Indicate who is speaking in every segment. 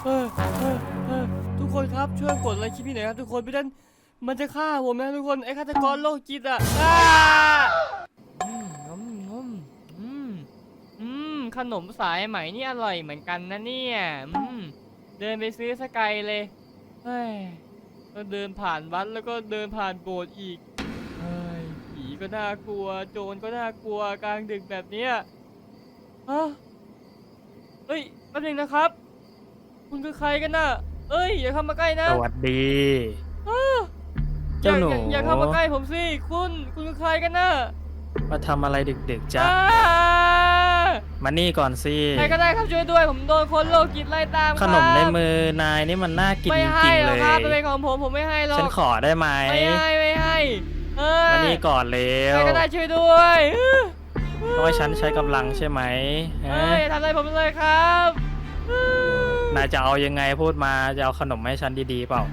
Speaker 1: เออทุกคนครับช่วยกดไลค์คลิปนี้หน่อยครับทุกคนไม่งั้นมันจะฆ่าผมนะทุกคนไอ้ฆาตกรโรคจิตอ่ะอืมอืมอืมอืขนมสายไหมนี่อร่อยเหมือนกันนะเนี่ยเดินไปซื้อสกายเลยเฮ้ยก็เดินผ่านวัดแล้วก็เดินผ่านโบสถ์อีกเฮ้ยผีก็น่ากลัวโจรก็น่ากลัวกลางดึกแบบเนี้ยฮะเฮ้ยแป๊บนึงนะครับคุณคือใครกันน่ะเอ้ยอย่าเข้ามาใกล้นะ
Speaker 2: สวัสดี
Speaker 1: อ้าอย่า
Speaker 2: เจ้าหนู
Speaker 1: อย่าเข้ามาใกล้ผมสิคุณคือใครกันน่ะ
Speaker 2: มาทำอะไรดึกๆจ๊ะ
Speaker 1: อ้า
Speaker 2: มานี่ก่อนสิ
Speaker 1: ใครก็ได้ครับช่วยด้วยผมโดนคนโรคจิตไล่ตาม
Speaker 2: ขนมใน
Speaker 1: ครับ
Speaker 2: มือนายนี่มันน่ากิน
Speaker 1: ไม่
Speaker 2: จ
Speaker 1: ให้หร
Speaker 2: ริงๆเล
Speaker 1: อกครับมัน
Speaker 2: ย
Speaker 1: เป็นของผมไม่ให้หรอก
Speaker 2: ฉันขอได้ไหม
Speaker 1: ไม่ให้เออ
Speaker 2: มานี่ก่อนเร็
Speaker 1: ใคร
Speaker 2: ว
Speaker 1: ก็ได้ช่วยด้วย
Speaker 2: เพราะว่าฉันใช้กำลังใช่ไหมฮะ
Speaker 1: อย่าทำอะไรผมเลยครับ
Speaker 2: นายจะเอายังไงพูดมาจะเอาขนมให้ฉันดีๆเปล่า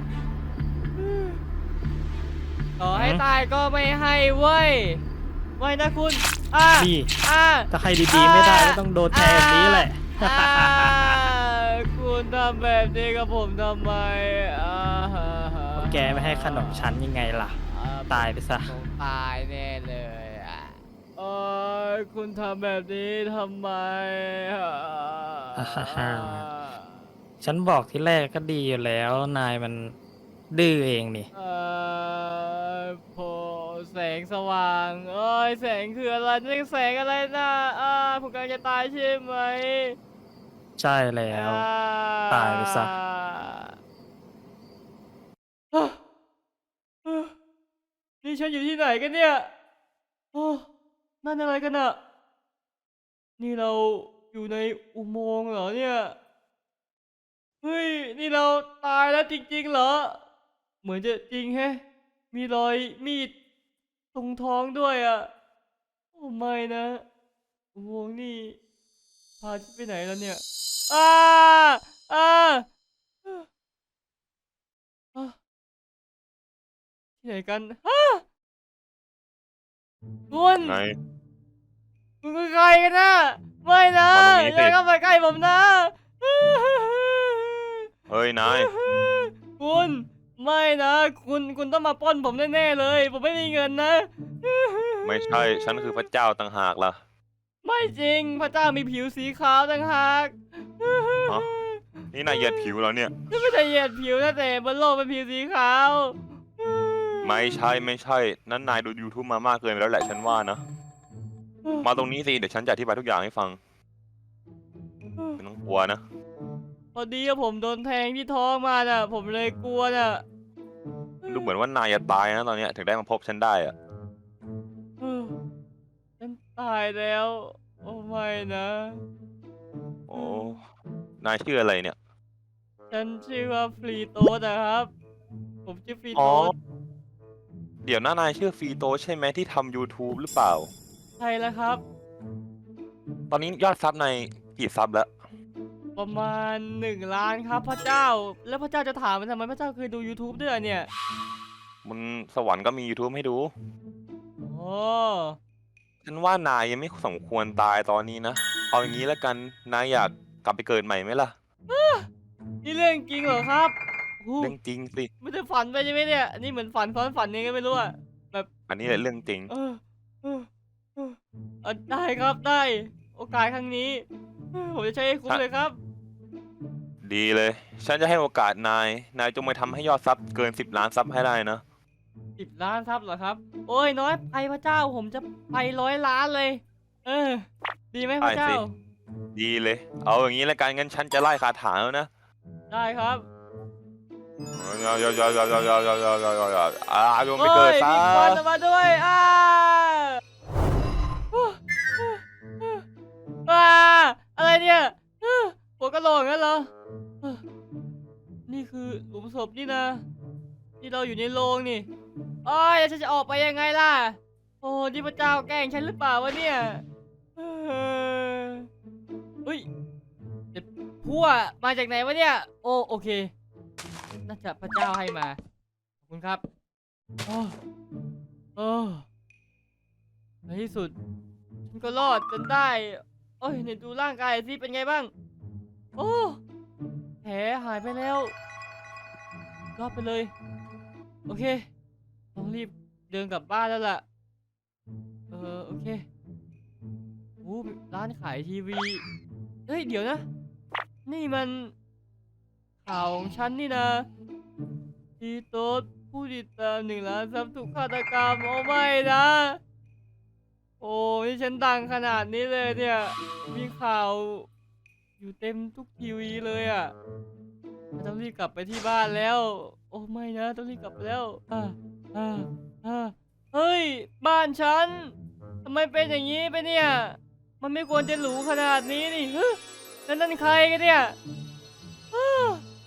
Speaker 1: ต่อให้
Speaker 2: หืม
Speaker 1: ตายก็ไม่ให้เว้ยไม่นะคุณอ่า
Speaker 2: นี่
Speaker 1: อ่า
Speaker 2: ถ้าให้ดีๆไม่ได้ก็ต้องโดนแทงแบบนี้แหละ
Speaker 1: อ่าคุณทำแบบนี้กับผมทำไมอ่าฮะ
Speaker 2: แกไม่ให้ขนมฉันยังไงล่ะตายไปซะ
Speaker 1: ต้องตายแน่เลยอ่ะเอคุณทำแบบนี้ทำไมอ่ะ
Speaker 2: ฮ่าฮ่าฮ่าฉันบอกที่แรกก็ดีอยู่แล้วนายมันดื้อเองนี่
Speaker 1: เอพอแสงสว่างแสงคืออะไรนี่แสงอะไรนะผมกำลังจะตายใช่ไหม
Speaker 2: ใช่แล้ว
Speaker 1: อ่า
Speaker 2: ตายไปซะ
Speaker 1: อ่ะอ่ะนี่ฉันอยู่ที่ไหนกันเนี่ยโอ้นั่นอะไรกันอะนี่เราอยู่ในอุโมงค์เหรอเนี่ยเฮ้ยนี่เราตายแล้วจริงๆเหรอเหมือนจะจริงแฮะมีรอยมีดตรงท้องด้วยอะโอ้ไม่นะอุโมงค์นี่พาฉันไปไหนแล้วเนี่ยอ้าอ้าอ่ะที่ไหนกันฮะคุณ
Speaker 3: ไง
Speaker 1: คุณคือใครกันนะไม่นะ
Speaker 3: มาตรงนี้
Speaker 1: อย่า
Speaker 3: สิ
Speaker 1: เข้ามาใกล้ผมนะ
Speaker 3: เฮ้ยนาย
Speaker 1: คุณไม่นะคุณต้องมาปล้นผมแน่ๆเลยผมไม่มีเงินนะ
Speaker 3: ไม่ใช่ฉันคือพระเจ้าต่างหากล่ะ
Speaker 1: ไม่จริงพระเจ้ามีผิวสีขาวต่างหาก
Speaker 3: ฮะนี่นายเหยียดผิวแล้วเนี่ย
Speaker 1: นี่ไม่ใช่เหยียดผิวนะแต่บนโลกเป็นผิวสีขาว
Speaker 3: ไม่ใช่นั้นนายดู YouTube มามากเกินไปแล้วแหละฉันว่านะมาตรงนี้สิเดี๋ยวฉันจะอธิบายทุกอย่างให้ฟังไม่ต้องกลัวนะ
Speaker 1: พอดีว่าผมโดนแทงที่ท้องมาน่ะผมเลยกลัวน่ะ
Speaker 3: ดูเหมือนว่านายจะตายนะตอนเนี้ยถึงได้มาพบฉันได้อะ
Speaker 1: เออฉันตายแล้วโอ้ไม่นะ
Speaker 3: โอ้นายชื่ออะไรเนี่ย
Speaker 1: ฉันชื่อว่าฟรีโตสนะครับผมชื่อฟรี
Speaker 3: อ๋อ
Speaker 1: โตส
Speaker 3: เดี๋ยวนะนายชื่อฟีโตใช่ไหมที่ทำ YouTube หรือเปล่า
Speaker 1: ใช่แล้วครับ
Speaker 3: ตอนนี้ยอดซับในกี่ซับแล้ว
Speaker 1: ประมาณ1 ล้านครับพระเจ้าแล้วพระเจ้าจะถามมันทำไมพระเจ้าเคยดู YouTube ด้วยเหรอเนี่ย
Speaker 3: มันสวรรค์ก็มี YouTube ให้ดู
Speaker 1: โอ้
Speaker 3: ฉันว่านายยังไม่สมควรตายตอนนี้นะ เอาอย่างนี้แล้วกัน นายอยากกลับไปเกิดใหม่ไหมล่ะ
Speaker 1: นี่เรื่องจริงเหรอครับโอ้
Speaker 3: เรื่องจริงสิ
Speaker 1: ไม่ได้ฝันไปใช่ไหมเนี่ยนี่เหมือนฝันซ้อนฝันยังไงก็ไม่รู้อะแบบ
Speaker 3: อันนี้แหละเรื่องจริง
Speaker 1: เออเออเออได้ครับได้โอกาสครั้งนี้ผมจะใช้ให้คุ้มเลยครับ
Speaker 3: ดีเลย ฉันจะให้โอกาสนาย นายจงไปทำให้ยอดซับเกิน10 ล้านซับให้ได้นะ
Speaker 1: 10 ล้านครับเหรอครับโอ้ยน้อยไปพระเจ้าผมจะไป100 ล้านเลยเออดีไหมพ
Speaker 3: ได้
Speaker 1: ระเจ้า
Speaker 3: สิ ดีเลย เอาอย่างนี้แล้วกันงั้นฉันจะไล่คาถาแล้วนะ
Speaker 1: ได้ครับ
Speaker 3: จงไปเกิดซะ
Speaker 1: มีควันออกมาด้วยอ้าอะไรเนี่ยหัวกะโหลกงั้นเหรอนี่คือหลุมศพนี่นะที่เราอยู่ในโรงนี่โอ้ยแล้วฉันจะออกไปยังไงล่ะโอ้นี่พระเจ้าแกล้งฉันหรือเปล่าวะเนี่ยเฮ้ยเด็ดพั่วมาจากไหนวะเนี่ยโอเคน่าจะพระเจ้าให้มาขอบคุณครับโอ้โอ้ในที่สุดฉันก็รอดจนได้โอ้ยเนี่ยดูร่างกายสิเป็นไงบ้างโอ้แขผลหายไปแล้วรอดไปเลยโอเคต้องรีบเดินกลับบ้านแล้วล่ะโอเคร้านขายทีวีเฮ้ยเดี๋ยวนะนี่มันข่าวของฉันนี่นะทีโต๊ดผู้ติดตาม1 ล้านซับถูกฆาตกรรมโอ้ไม่นะโอ้นี่ฉันดังขนาดนี้เลยเนี่ยมีข่าวอยู่เต็มทุกทีวีเลยอ่ะต้องรีบกลับไปที่บ้านแล้วโอ้ไม่นะต้องรีบกลับไปแล้วอ่าเฮ้ยบ้านฉันทำไมเป็นอย่างนี้ไปเนี่ยมันไม่ควรจะหรูขนาดนี้นี่แล้วนั่นใครกันเนี่ยอ้า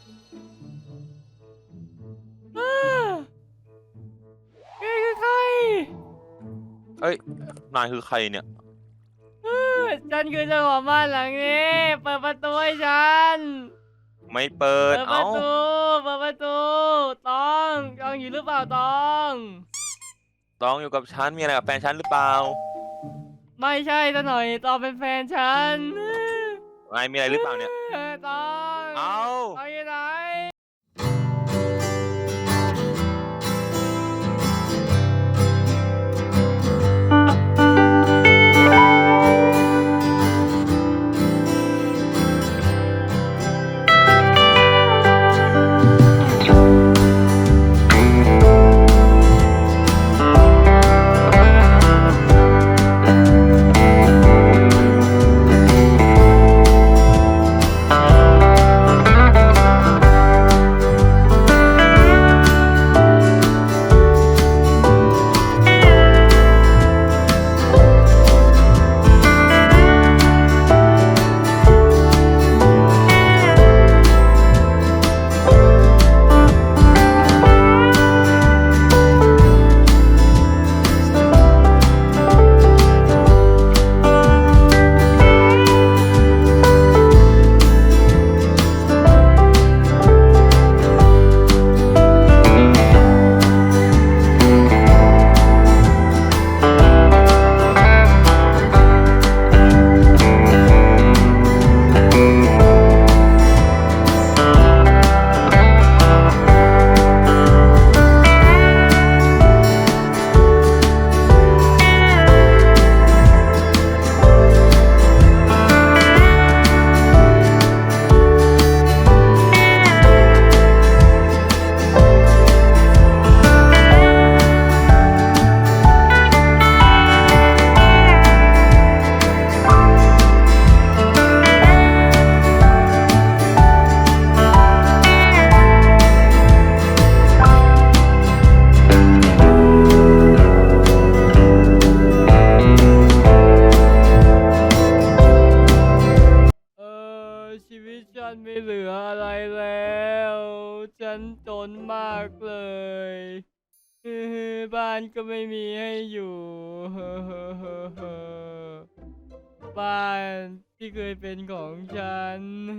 Speaker 1: แกคือใคร
Speaker 3: เอ้ยนายคือใครเนี่ย
Speaker 1: ฉันคือเจ้าของบ้านหลังนี้เปิดประตูให้ฉัน
Speaker 3: ไม่เปิด
Speaker 1: เปิดป
Speaker 3: เอ้า
Speaker 1: ระตูเปิดประตูตองอยู่หรือเปล่าตอง
Speaker 3: ต้องอยู่กับฉันมีอะไรกับแฟนฉันหรือเปล่า
Speaker 1: ไม่ใช่ซะหน่อยตองเป็นแฟนฉัน
Speaker 3: นายมีอะไรหรือเปล่าเนี่ย
Speaker 1: ตอง
Speaker 3: เอ้า
Speaker 1: ตองอยู่ไหน ชีวิตฉันไม่เหลืออะไรแล้ว ฉันจนมากเลยบ้านก็ไม่มีให้อยู่บ้านที่เคยเป็นของฉัน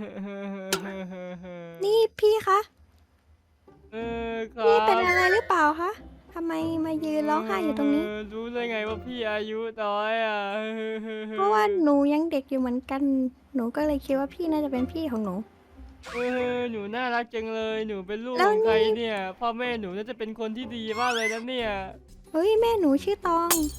Speaker 4: นี่พี่คะ
Speaker 1: ครั
Speaker 4: พี่
Speaker 1: บ
Speaker 4: เป็นอะไรหรือเปล่าคะทำไมมายืนร้องไห้อยู่ตรงนี้
Speaker 1: รู้ได้ไงว่าพี่อายุน้อยอ่ะ
Speaker 4: เพราะว่าหนูยังเด็กอยู่เหมือนกัน หนูก็เลยคิดว่าพี่น่าจะเป็นพี่ของหนู
Speaker 1: หนูน่ารักจังเลย หนูเป็นลูก
Speaker 4: แล้
Speaker 1: ข
Speaker 4: ว
Speaker 1: องใคร
Speaker 4: นี่
Speaker 1: เนี่ย พ่อแม่หนูน่าจะเป็นคนที่ดีมากเลยนะเนี่ย
Speaker 4: เฮ้ยแม่หนูชื่อตอง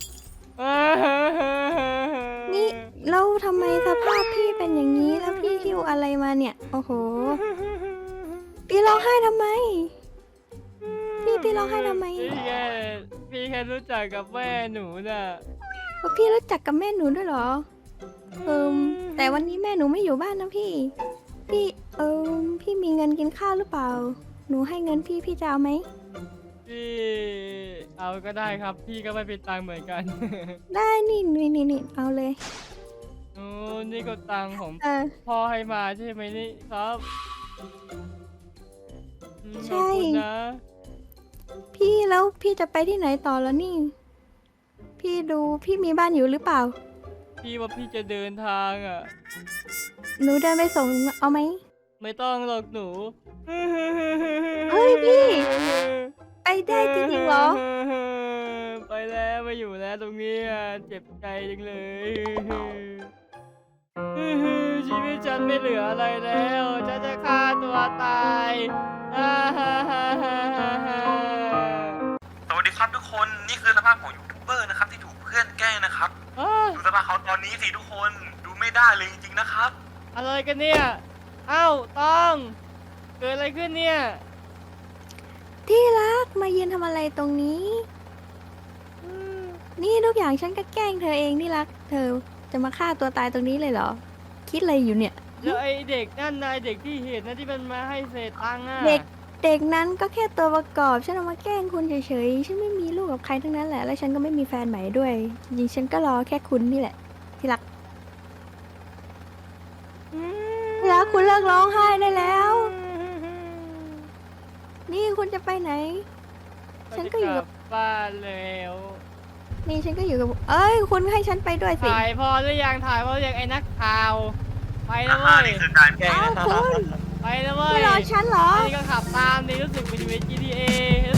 Speaker 4: นี่แล้วทำไมสภาพพี่เป็นอย่างนี้แล้วพี่หิ้วอะไรมาเนี่ย โอ้โห พี่ร้องไห้ทำไม พี่ร้องไห้ทำไม
Speaker 1: พี่แค่รู้จักกับแม่หนูน่ะ
Speaker 4: พี่รู้จักกับแม่หนูด้วยเหรอ แต่วันนี้แม่หนูไม่อยู่บ้านนะพี่ พี่พี่มีเงินกินข้าวหรือเปล่า หนูให้เงินพี่จะเอาไหม
Speaker 1: พี่เอาก็ได้ครับ พี่ก็ไม่เป็นตังค์เหมือนกัน
Speaker 4: ได้นี่เอาเลย
Speaker 1: โอ้นี่ก็ตังค์ของ พ่อให้มาใช่ไหมนี่ครับข
Speaker 4: ใช่
Speaker 1: อบคุณนะ
Speaker 4: พี่แล้วพี่จะไปที่ไหนต่อแล้วนี่ พี่มีบ้านอยู่หรือเปล่า
Speaker 1: พี่ว่าพี่จะเดินทางอ่ะ
Speaker 4: หนูเดินไปส่งเอาไหม
Speaker 1: ไม่ต้องหรอกหนู
Speaker 4: เฮ้ยพี่ ไปได้จริงๆเหรอ
Speaker 1: ไปแล้วไม่อยู่แล้วตรงนี้อ่ะเจ็บใจจังเลยชีวิตฉันไม่เหลืออะไรแล้วฉันฉันจะฆ่าตัวตายอ่าฮ่าฮ่าฮ่าฮ่าฮ่า
Speaker 3: สวัสดีครับทุกคนนี่คือสภาพของยูทูบเบอร์นะครับที่ถูกเพื่อนแกล้งนะครับ
Speaker 1: อ้า
Speaker 3: ดูสภาพเขาตอนนี้สิทุกคนดูไม่ได้เลยจริงๆนะครับ
Speaker 1: อะไรกันเนี่ย เอ้าต้องเกิดอะไรขึ้นเนี่ย
Speaker 4: ที่รักมายืนทำอะไรตรงนี้ นี่ทุกอย่างฉันก็แกล้งเธอเองที่รัก เธอจะมาฆ่าตัวตายตรงนี้เลยเหรอ คิดอะไรอยู่เนี่ย
Speaker 1: แล้วไอเด็กนั่นนายเด็กที่เห็นนะที่มันมาให้เศษตังค์อ่ะ
Speaker 4: เด็กนั้นก็แค่ตัวประกอบ ฉันเอามาแกล้งคุณเฉยๆ ฉันไม่มีลูกกับใครทั้งนั้นแหละ แล้วฉันก็ไม่มีแฟนใหม่ด้วย จริงๆฉันก็รอแค่คุณนี่แหละ ที่รัก ที่รักคุณเลิกร้องไห้ได้แล้ว นี่คุณจะไปไหน ฉันก็อยู่กับ
Speaker 1: บ้านแล้ว
Speaker 4: นี่ฉันก็อยู่กับ เอ้ย คุณให้ฉันไปด้วยสิ
Speaker 1: ถ่ายพอหรือยังถ่ายพอหรือยังไอ้นักข่าว ไปแล้ว
Speaker 3: อ่า
Speaker 1: เว้ย
Speaker 3: นี่คือการแกล้ง
Speaker 4: อ้าว
Speaker 3: นะ
Speaker 4: คุณ
Speaker 1: ไปแล้วเว้ย
Speaker 4: ไม่รอฉันเหรอ
Speaker 1: นี่ก็ขับตามนี่รู้สึกมันอยู่ใน GTA